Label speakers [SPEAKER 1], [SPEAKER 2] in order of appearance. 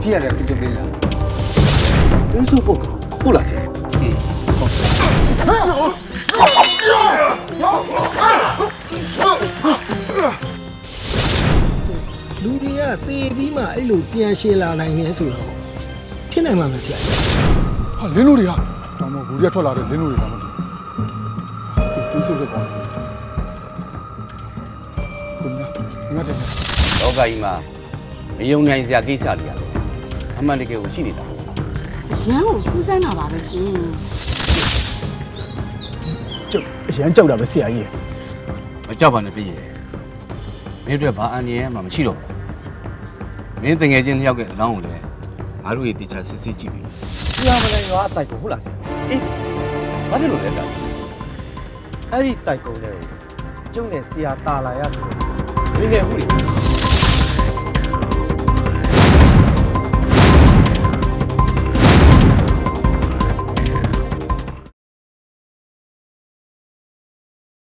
[SPEAKER 1] ဖြစ်ရတယ်သူတို့ကဒီစုပုတ်ဟုတ်လားဆရာ
[SPEAKER 2] လူတွေကသေပြီးမှအဲ့လိုပြန်ရှင်းလာနိုင်နေဆိုတော့ဖြစ်နိုင်မှာမဆရာ
[SPEAKER 3] ဟာလင်းလို့တွေကတော့မဟုတ်ဘူးရထွက်လာတဲ့လင်းလို့တွေကမဟုတ်ဘူးသူစုလို့ပေါ့คุณนะငါတယ်
[SPEAKER 4] လောကကြီးမှာမယုံနိုင်စရာကိစ္စတွေရတယ်အမှန်တကယ်ကိုရှိနေတာ
[SPEAKER 5] အရန်ကိုဖူးဆန်းတာပါပဲရှင်
[SPEAKER 2] ကျုပ်အရန်ကြောက်တာပဲဆရာကြီး
[SPEAKER 4] မကြောက်ပါနဲ့ပြည့်ရမင်းတို့ဘာအန်ရယ်မှမရှိတော့ဘူးမင်းတငယ်ချင်းတစ်ယောက်ရဲ့အလောင်းကိုလည်းငါတို့ရေတေချာစစ်စစ်ကြည့်ပြီ
[SPEAKER 1] ဆရာမလည်းရွာအတိုက်ကိုဟုတ်လားဆရာ
[SPEAKER 4] အေးဘာဖြစ်လို့လဲတောင်
[SPEAKER 1] အဲ့ဒီတိုက်ကုန်းလေးကိုကျုံနဲ့ဆရာတာလာရဆိုတော့ငင်းနေမှုတွေ